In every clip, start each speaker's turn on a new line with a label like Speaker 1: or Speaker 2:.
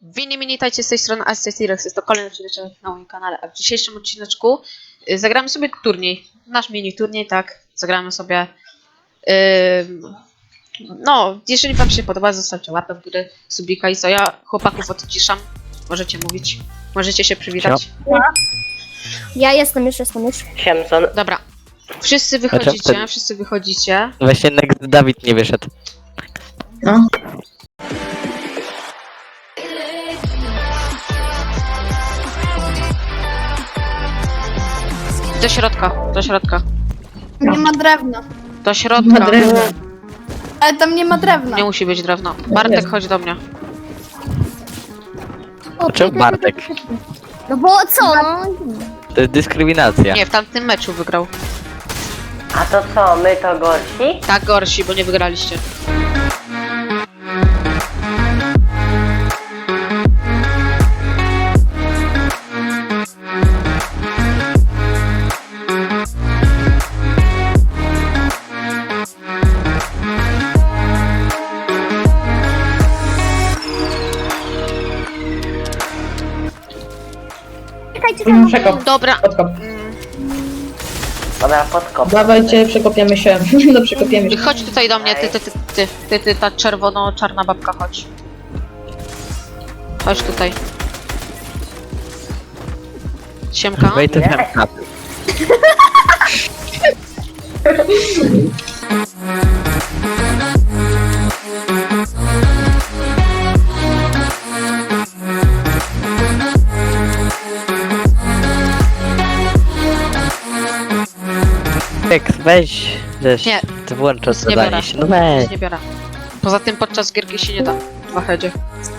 Speaker 1: Witajcie z tej strony Ascetirex, jest to kolejny odcinek na moim kanale, a w dzisiejszym odcineczku zagramy sobie turniej, nasz mini turniej, tak, zagramy sobie, no, jeżeli wam się podoba, zostawcie łapę w górę, subika i co, ja chłopaków odciszam, możecie mówić, możecie się przywitać.
Speaker 2: Ja jestem już.
Speaker 3: Siemson.
Speaker 1: Dobra, wszyscy wychodzicie,
Speaker 3: Właśnie Dawid nie wyszedł.
Speaker 4: No.
Speaker 1: do środka,
Speaker 2: Nie ma drewna.
Speaker 1: do środka,
Speaker 4: Ma drewno.
Speaker 2: Ale tam nie ma drewna.
Speaker 1: nie musi być drewno, Bartek chodź do mnie.
Speaker 3: Czemu Bartek?
Speaker 2: No bo co? No?
Speaker 3: To jest dyskryminacja.
Speaker 1: Nie, w tamtym meczu wygrał,
Speaker 3: A to co, my to gorsi?
Speaker 1: tak gorsi, bo nie wygraliście.
Speaker 2: Czekajcie,
Speaker 4: Przekop,
Speaker 1: Dobra,
Speaker 4: podkop.
Speaker 3: Dobra, podkop.
Speaker 4: Dawajcie, przekopiemy się. No przekopiemy się.
Speaker 1: chodź tutaj do mnie, ty, ta czerwono-czarna babka, chodź. Chodź tutaj. Siemka.
Speaker 3: Wait to have weź, wiesz,
Speaker 1: Nie.
Speaker 3: ty włączasz
Speaker 1: Nie biorę.
Speaker 3: zadanie się, no weź.
Speaker 1: Nie biorę. Poza tym podczas gierki się nie da w wahedzie.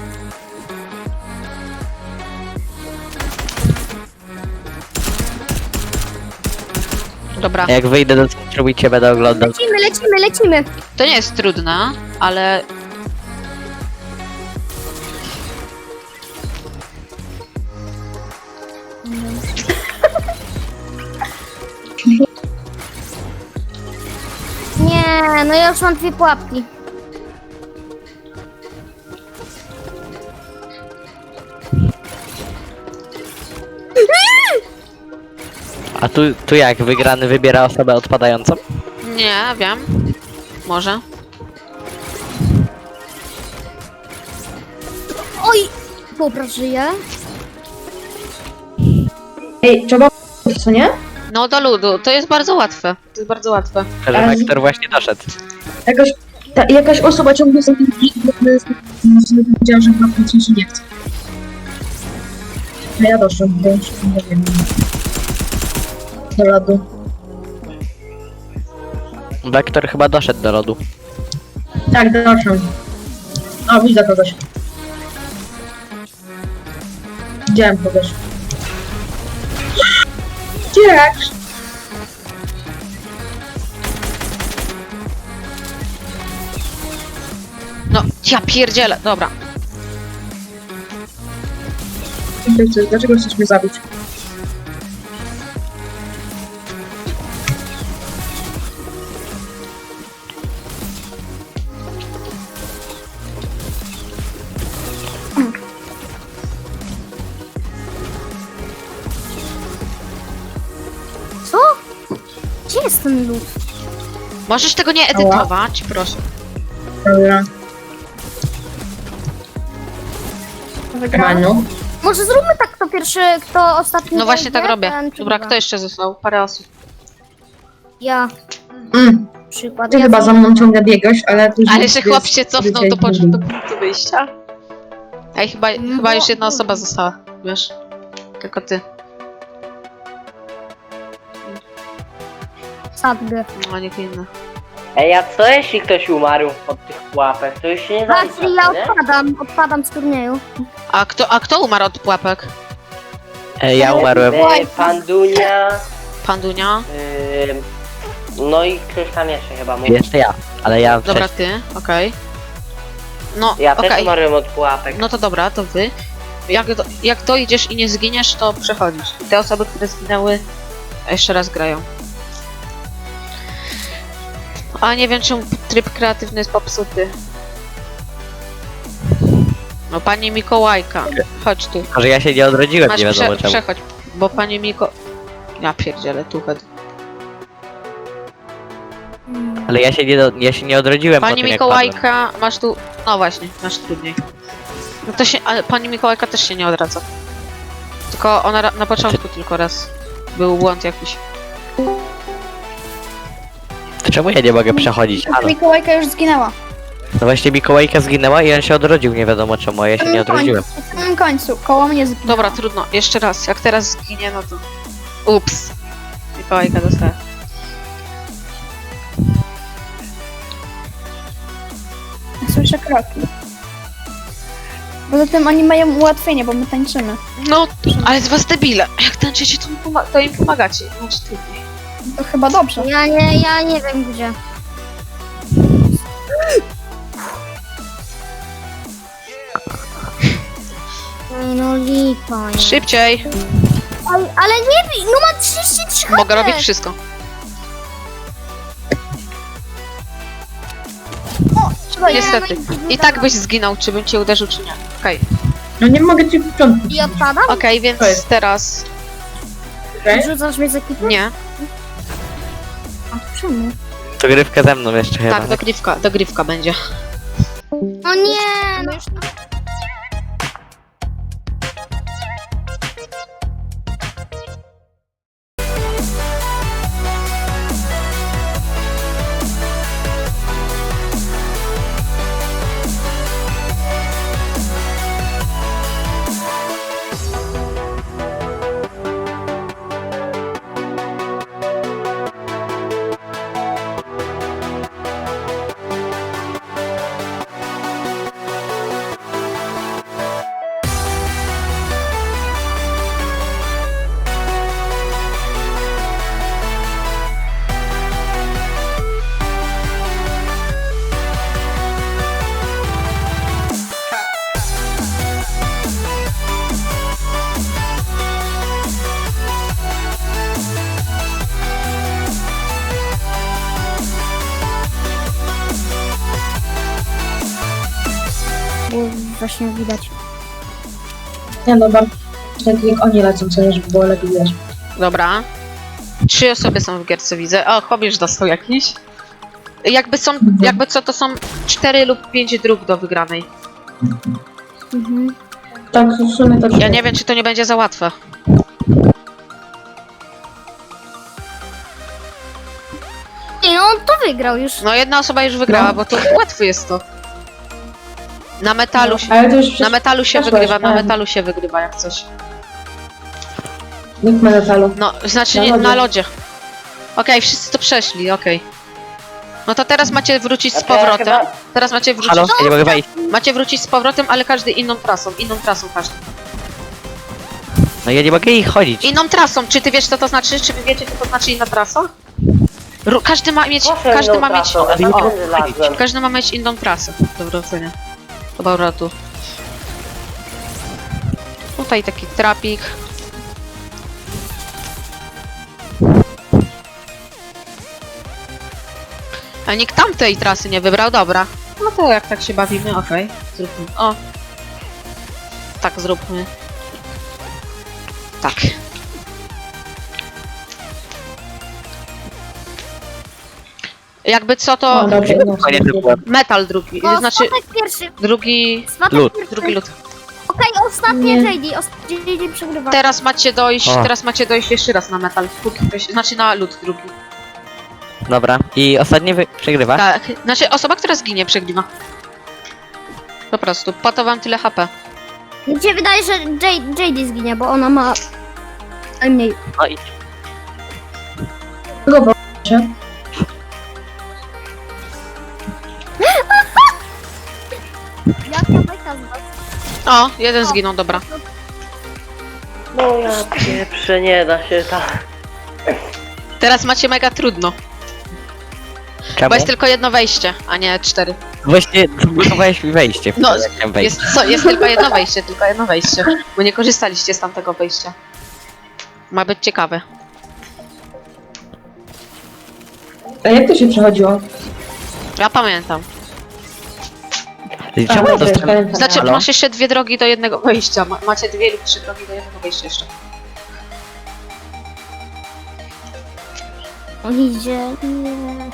Speaker 1: Dobra,
Speaker 3: Jak wyjdę do centrum i cię będę oglądał.
Speaker 2: Lecimy.
Speaker 1: to nie jest trudne, ale
Speaker 2: Nie, no ja już mam 2 pułapki.
Speaker 3: A tu jak, wygrany wybiera osobę odpadającą?
Speaker 1: nie wiem. Może.
Speaker 2: Oj! Dobra, żyję.
Speaker 4: Ej, trzeba... co nie?
Speaker 1: No do ludu, to jest bardzo łatwe. To jest bardzo łatwe.
Speaker 3: Że
Speaker 4: Ale-
Speaker 3: Wektor właśnie doszedł.
Speaker 4: Jakaś osoba ciągle za tym powiedziała, że chyba w się nie chce. A ja doszłam, bo już nie wiem. Do lodu.
Speaker 3: Wektor chyba doszedł do lodu.
Speaker 4: Tak, doszłam. O, widzę kogoś. Widziałem kogoś. Jak?
Speaker 1: No, ja pierdzielę, dobra.
Speaker 4: Dlaczego chcesz mnie zabić?
Speaker 2: Co? Gdzie jest ten lód?
Speaker 1: Możesz tego nie edytować, proszę.
Speaker 4: Dobra. Manu.
Speaker 2: Może zróbmy tak, kto pierwszy, kto ostatni.
Speaker 1: No właśnie tak
Speaker 2: wejdzie,
Speaker 1: robię.
Speaker 2: ten
Speaker 1: Dobra,
Speaker 2: przegrywa.
Speaker 1: kto jeszcze został? Parę osób.
Speaker 2: Ja,
Speaker 4: Mm,
Speaker 2: przykład.
Speaker 4: ty
Speaker 2: Ja
Speaker 4: chyba za mną ciągle biegłeś, ale później...
Speaker 1: Ale że chłop się
Speaker 4: jest-
Speaker 1: cofnął, to poszedł do punktu wyjścia. Ej, chyba
Speaker 2: bo-
Speaker 1: już jedna osoba została, wiesz? Tylko ty.
Speaker 2: sadgę.
Speaker 1: No, nikt inny.
Speaker 3: Ej, a co jeśli ktoś umarł od tych pułapek? To już się nie
Speaker 2: Właśnie ja
Speaker 3: nie?
Speaker 2: odpadam z turnieju.
Speaker 1: A kto umarł od pułapek?
Speaker 3: Ja umarłem. Pandunia,
Speaker 1: Pandunia?
Speaker 3: no i ktoś tam jeszcze chyba mówi.
Speaker 1: Jeszcze
Speaker 3: ja, ale ja
Speaker 1: Dobra, ty, okej. No,
Speaker 3: Ja też
Speaker 1: okej.
Speaker 3: umarłem od pułapek.
Speaker 1: No to dobra, to wy. Jak dojdziesz i nie zginiesz, to przechodzisz. I te osoby, które zginęły, jeszcze raz grają. A nie wiem, czemu tryb kreatywny jest popsuty. No pani Mikołajka, chodź tu.
Speaker 3: Może ja się nie odrodziłem,
Speaker 1: Masz
Speaker 3: nie wiadomo czemu.
Speaker 1: przechodź, bo pani Miko... Ja pierdzielę, tu chodź.
Speaker 3: Ale ja się nie odrodziłem po
Speaker 1: Pani
Speaker 3: tym, jak padłem.
Speaker 1: Mikołajka, masz tu... No właśnie, masz trudniej. No to się... Ale pani Mikołajka też się nie odradza. Tylko ona na początku tylko raz. Był błąd jakiś.
Speaker 3: To czemu ja nie mogę przechodzić? Halo.
Speaker 5: Mikołajka już zginęła.
Speaker 3: No właśnie Mikołajka zginęła i on się odrodził, nie wiadomo czemu, a ja się nie odrodziłem.
Speaker 5: Na samym końcu, koło mnie zginęła.
Speaker 1: Dobra, trudno. Jeszcze raz. Jak teraz zginie, no to... Ups. Mikołajka dostała.
Speaker 5: Słyszę kroki. Poza tym oni mają ułatwienie, bo my tańczymy.
Speaker 1: No, ale z was debile. Jak tańczycie, to im pomagacie. Znaczy trudniej.
Speaker 5: To chyba dobrze.
Speaker 2: Ja nie wiem gdzie. Ej, no lipa. nie.
Speaker 1: Szybciej.
Speaker 2: Ale nie bij, no ma 33 HP.
Speaker 1: Mogę robić wszystko.
Speaker 5: Trzeba je...
Speaker 1: Niestety. I tak byś zginął, czy bym cię uderzył, czy nie. Okej.
Speaker 4: No nie mogę ci w początku.
Speaker 2: I odpadam?
Speaker 1: Okej, więc
Speaker 4: To jest-
Speaker 1: teraz...
Speaker 4: Okej?
Speaker 2: Rzucasz mnie z ekipy?
Speaker 1: Nie.
Speaker 2: A czemu?
Speaker 3: To grywka ze mną jeszcze chyba.
Speaker 1: Tak, dogrywka będzie.
Speaker 2: O nie, no już... Było właśnie widać.
Speaker 4: Nie no, bardzo tak jak oni lecą, co żeby było lepiej wiesz.
Speaker 1: Dobra. 3 osoby są w gierce, widzę. O, Chobisz dostał jakiś. Jakby co, to są 4 lub 5 dróg do wygranej.
Speaker 2: Mhm.
Speaker 4: Tak, w sumie tak.
Speaker 1: Ja nie wiem, czy to nie będzie za łatwe.
Speaker 2: Nie, no on to wygrał już.
Speaker 1: No, jedna osoba już wygrała,
Speaker 4: No.
Speaker 1: bo to łatwe jest to. Na metalu się...
Speaker 4: Ale to już
Speaker 1: Na metalu się
Speaker 4: przeszłaś,
Speaker 1: wygrywa, na
Speaker 4: tak.
Speaker 1: metalu się wygrywa jak coś.
Speaker 4: Nikt ma metalu.
Speaker 1: No, znaczy
Speaker 4: Na
Speaker 1: nie,
Speaker 4: lodzie.
Speaker 1: na lodzie. Okej, wszyscy to przeszli, okej. No to teraz macie wrócić z powrotem. Teraz macie wrócić.
Speaker 3: Halo? Ja nie mogę wejść.
Speaker 1: Macie wrócić z powrotem, ale każdy inną trasą każdy.
Speaker 3: No ja nie mogę ich chodzić.
Speaker 1: Inną trasą, czy ty wiesz co to znaczy? Czy wy wiecie co to znaczy inna trasa? Każdy ma mieć, każdy ma mieć inną trasę. Dobra, ocenię. Dobra, tu. Tutaj taki trapik. A nikt tamtej trasy nie wybrał, dobra. No to jak tak się bawimy, okej. Zróbmy. O. Tak zróbmy. Tak. Jakby co to
Speaker 4: O, dobrze, no.
Speaker 3: Koniec byłem.
Speaker 1: metal drugi,
Speaker 2: O,
Speaker 1: znaczy
Speaker 2: Swatek pierwszy.
Speaker 1: drugi
Speaker 3: Lód.
Speaker 1: lód.
Speaker 2: Okej, ostatnie
Speaker 4: Nie.
Speaker 2: JD przegrywa.
Speaker 1: Teraz macie dojść
Speaker 3: O.
Speaker 1: jeszcze raz na metal. Znaczy na lód drugi.
Speaker 3: Dobra. I ostatni przegrywa?
Speaker 1: Tak, znaczy osoba, która zginie przegrywa. Po prostu, po to wam tyle HP.
Speaker 2: Mi się wydaje, że JD zginie, bo ona ma najmniej.
Speaker 3: No i
Speaker 4: Kogo proszę?
Speaker 2: Jaka bajka z was?
Speaker 1: O, jeden zginął, dobra.
Speaker 6: No ja pieprzę, nie da się tak.
Speaker 1: Teraz macie mega trudno,
Speaker 3: czemu?
Speaker 1: bo jest tylko jedno wejście, a nie 4.
Speaker 3: Właśnie zablokowałeś mi wejście.
Speaker 1: No,
Speaker 3: jak chciałem wejść.
Speaker 1: Jest tylko jedno wejście, bo nie korzystaliście z tamtego wejścia. Ma być ciekawe.
Speaker 4: A jak to się przechodziło?
Speaker 1: Ja pamiętam.
Speaker 3: Czemu to
Speaker 4: dobra, pamiętam.
Speaker 1: Znaczy,
Speaker 3: Halo?
Speaker 1: masz jeszcze 2 drogi do jednego wejścia. Macie 2 lub 3 drogi do jednego wejścia jeszcze.
Speaker 2: On idzie... Nie.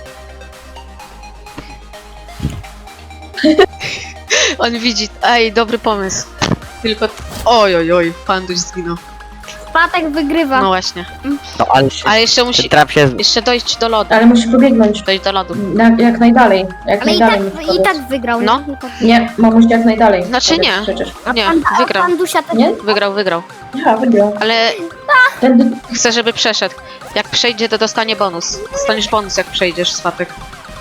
Speaker 1: On widzi. Ej, dobry pomysł. Tylko... Oj, oj, oj, Panduś zginął.
Speaker 2: Spatek wygrywa.
Speaker 1: No właśnie.
Speaker 3: No ale się...
Speaker 1: Ale jeszcze
Speaker 3: Ten
Speaker 1: musi...
Speaker 3: trap się...
Speaker 1: Jeszcze dojść do lodu.
Speaker 4: Ale musisz pobiegnąć.
Speaker 1: Dojść do lodu.
Speaker 4: Jak najdalej. Jak
Speaker 2: Ale
Speaker 4: najdalej musisz
Speaker 2: i
Speaker 4: pobiec.
Speaker 2: tak wygrał.
Speaker 1: No.
Speaker 2: I tak.
Speaker 4: Nie, mamuś jak najdalej.
Speaker 1: Znaczy
Speaker 4: pobiec
Speaker 1: nie.
Speaker 4: Przecież.
Speaker 1: Nie,
Speaker 2: A
Speaker 1: wygrał.
Speaker 2: Pandusia też...
Speaker 4: Nie?
Speaker 1: Wygrał.
Speaker 4: Aha, wygrał.
Speaker 1: Ale
Speaker 4: Tędy...
Speaker 1: chcę, żeby przeszedł. Jak przejdzie, to dostanie bonus. Dostaniesz bonus, jak przejdziesz, Swatek.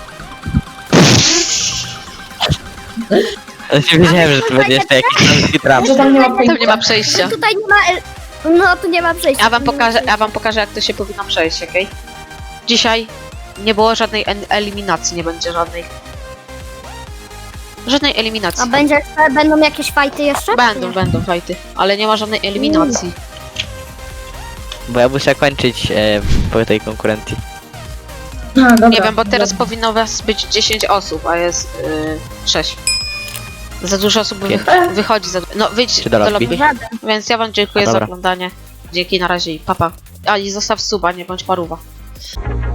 Speaker 3: Wiedziałem, że to będzie jeszcze jakiś polski trap.
Speaker 4: Że tam nie ma
Speaker 1: Tam nie ma
Speaker 4: przejścia.
Speaker 1: przejścia.
Speaker 2: Tutaj nie ma... No, tu nie ma przejścia.
Speaker 1: Ja wam pokażę, jak to się powinno przejść, okej? Dzisiaj nie było żadnej eliminacji, nie będzie żadnej. Żadnej eliminacji.
Speaker 2: Będą jakieś fajty jeszcze?
Speaker 1: Będą fajty, ale nie ma żadnej eliminacji.
Speaker 3: Bo ja muszę kończyć po tej konkurencji.
Speaker 4: A, dobra.
Speaker 1: Nie wiem, bo teraz powinno was być 10 osób, a jest 6. Za dużo osób wychodzi. No wyjdź
Speaker 3: Czy do
Speaker 1: do
Speaker 3: lobby?
Speaker 1: lobby. Więc ja wam dziękuję
Speaker 3: A,
Speaker 1: za
Speaker 3: dobra.
Speaker 1: oglądanie. Dzięki, na razie i papa. A i zostaw suba, nie bądź paruwa.